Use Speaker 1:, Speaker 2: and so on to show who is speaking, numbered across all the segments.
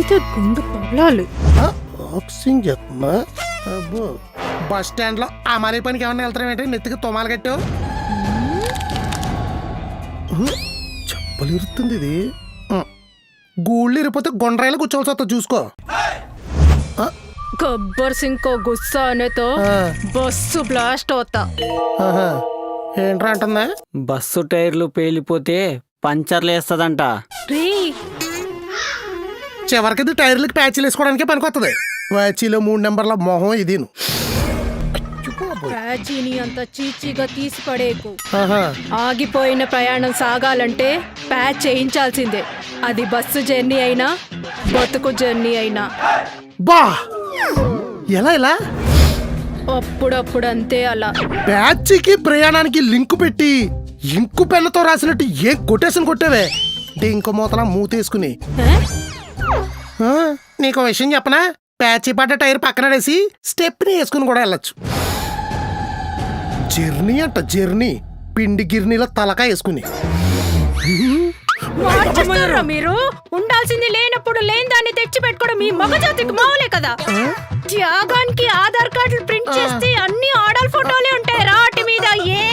Speaker 1: గుద్దితే గుండు పగలాలి.
Speaker 2: బాక్సింగ్ చెప్తున్నా. అబ్బో బస్ స్టాండ్ లో ఆ మరీ పనికి ఏమన్నా వెళ్తారేంటి? నెత్తికి తొమాలు కట్టావు. చెప్పలు ఇరుతుంది ఇది. గూళ్ళు ఇరిపోతే గుండ్రాయిలు కూర్చోవలసి వస్తా చూసుకో.
Speaker 1: గబ్బర్ సింగ్ కో గుస్సా అనేతో బస్సు బ్లాస్ట్ అవుతా.
Speaker 2: ఏంట్రా అంటుందా?
Speaker 3: బస్సు టైర్లు పేలిపోతే పంచర్లు వేస్తుందంట.
Speaker 2: చివరికి ఇది టైర్లకి ప్యాచీలు వేసుకోవడానికే పనికొస్తుంది. ప్యాచీలో 3 నెంబర్ల మొహం ఇది.
Speaker 1: ప్యాచీని అంత చీచీగా తీసి పడేకు. ఆగిపోయిన ప్రయాణం సాగాలంటే ప్యాచ్ చేయించాల్సిందే. అది బస్సు జర్నీ అయినా బతుకు జర్నీ అయినా.
Speaker 2: బా ఎలా ఇలా?
Speaker 1: అప్పుడప్పుడు అంతే అలా.
Speaker 2: ప్యాచీకి ప్రయాణానికి లింకు పెట్టి ఇంకు పెన్నుతో రాసినట్టు ఏ కొటేషన్ కొట్టావే? ఇంకో మూతలా మూతేసుకుని. నీకు విషయం చెప్పనా? ప్యాచీ పడ్డ టైర్ పక్కనడేసి స్టెప్ని వేసుకుని కూడా వెళ్ళొచ్చు. జర్నీ అంట జర్నీ. పిండి గిర్నీలో తలకాయ వేసుకుని.
Speaker 1: మీరు ఉండాల్సింది లేనప్పుడు లేని దాన్ని తెచ్చి పెట్టుకోవడం మీ మగజాతికి మామూలే కదా. త్యాగానికి ఆధార్ కార్డులు ప్రింట్ చేస్తే అన్ని ఆడల్ ఫోటోలే ఉంటాయి రాటి మీద.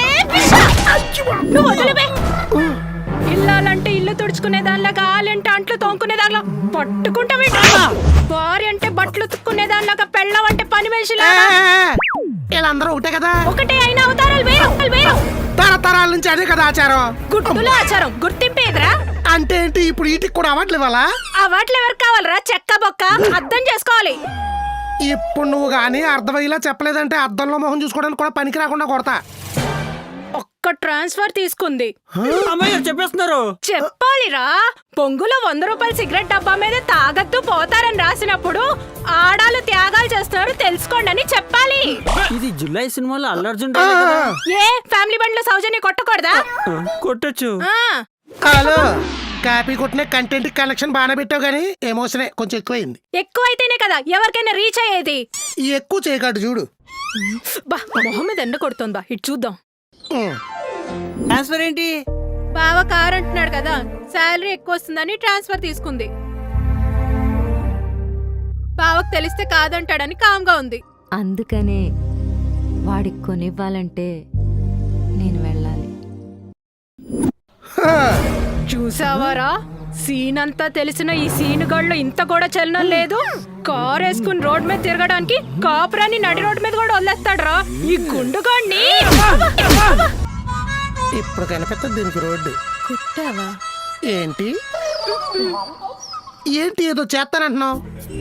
Speaker 1: ఇల్లాలంటే ఇల్లు తుడుచుకునే దానిలాగా, ఆలంటే అంట్లు తోముకునే దానిలా పట్టుకుంటామే. భార్య అంటే బట్టలు ఉతుక్కునే దానిలాగా, పెళ్ళం అంటే పని మనిషిలాగా.
Speaker 2: వీళ్ళందరూ ఒకటే కదా.
Speaker 1: ఒకటే అయినా అవతారాలు వేరు.
Speaker 2: తరతరాల నుంచి అదే కదా ఆచారం.
Speaker 1: గుర్తుల ఆచారం గుర్తింపేదిరా.
Speaker 2: అంటే ఏంటి? ఇప్పుడు వీటికి కూడా అవార్డులు ఇవ్వాలా?
Speaker 1: అవార్డులు ఎవరు కావాలరా? చెక్క బొక్క అర్థం చేసుకోవాలి.
Speaker 2: ఇప్పుడు నువ్వు గానీ అర్థమయ్యేలా చెప్పలేదంటే అద్దంలో మొహం చూసుకోవడానికి కూడా పనికి రాకుండా కొడతా.
Speaker 1: ఒక్క ట్రాన్స్ఫర్ తీసుకుంది.
Speaker 3: చెప్పేస్తున్నారు.
Speaker 1: చెప్పాలిరా. పొంగులో 100 రూపాయల సిగరెట్ డబ్బా మీద తాగద్దు పోతారని రాసినప్పుడు ఆడాలు త్యాగాలు చేస్తున్నారు తెలుసుకోండి అని చెప్పాలి.
Speaker 3: ఇది జులై సినిమాలో అల్లు అర్జున్.
Speaker 1: ఏ ఫ్యామిలీ బండ్లో సౌజన్య కొట్టకూడదా?
Speaker 3: కొట్టచ్చు.
Speaker 2: హలో, కాపీ కొట్టిన కంటెంట్ కలెక్షన్ బాగానే పెట్టావు గానీ ఎమోషనే కొంచెం ఎక్కువైంది.
Speaker 1: ఎక్కువైతేనే కదా ఎవరికైనా రీచ్ అయ్యేది.
Speaker 2: ఈ ఎక్కువ చేయకాడు చూడు.
Speaker 1: బా మొహం మీద ఎండ కొడుతుంది. బా ఇటు చూద్దాం.
Speaker 3: ట్రాన్స్ఫర్ ఏంటి?
Speaker 1: బావ కార్ అంటున్నాడు కదా, శాలరీ ఎక్కువ వస్తుందని ట్రాన్స్ఫర్ తీసుకుంది. బావకు తెలిస్తే కాదంటాడని కామ్గా ఉంది.
Speaker 4: అందుకనే వాడికి కొనివ్వాలంటే నేను వెళ్ళాలి.
Speaker 1: చూసావారా, సీన్ అంతా తెలిసిన ఈ సీన్ గళ్ళు ఇంత కూడా చలనం లేదు. కార్ వేసుకుని రోడ్ మీద తిరగడానికి కాపురాన్ని నడి రోడ్ మీద కూడా వదిలేస్తాడు రా ఈ గుండుగాడిని.
Speaker 2: ఇప్పుడు కనిపెత్తది దీనికి రోడ్డు.
Speaker 1: కుట్టావా
Speaker 2: ఏంటి ఏంటి ఏదో చేస్తానంటున్నావు?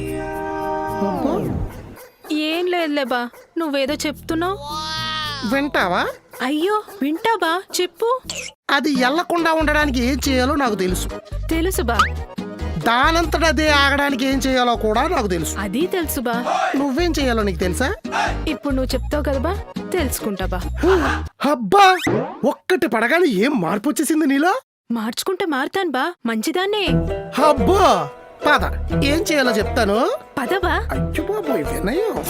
Speaker 1: ఏం లేదులే బా, నువ్వేదో చెప్తున్నావు.
Speaker 2: వింటావా?
Speaker 1: అయ్యో వింటా బా, చెప్పు.
Speaker 2: అది ఎల్లకుండా ఉండడానికి ఏం చేయాలో నాకు తెలుసు.
Speaker 1: తెలుసు బా.
Speaker 2: దానంతట అదే ఆగడానికి ఏం చేయాలో కూడా నాకు తెలుసు.
Speaker 1: అది తెలుసు బా.
Speaker 2: నువ్వేం చేయాలో నీకు తెలుసా?
Speaker 1: ఇప్పుడు నువ్వు చెప్తావు కదా బా, తెలుసుకుంటా బా.
Speaker 2: అబ్బా, ఒక్కటి పడగానే ఏం మార్పు వచ్చేసింది నీలో?
Speaker 1: మార్చుకుంటే మారుతాను బా, మంచిదాన్నే.
Speaker 2: అబ్బా పద, ఏం చేయాలో చెప్తాను.
Speaker 1: పదబా.
Speaker 2: అయ్యో బాబోయ్ వినయం.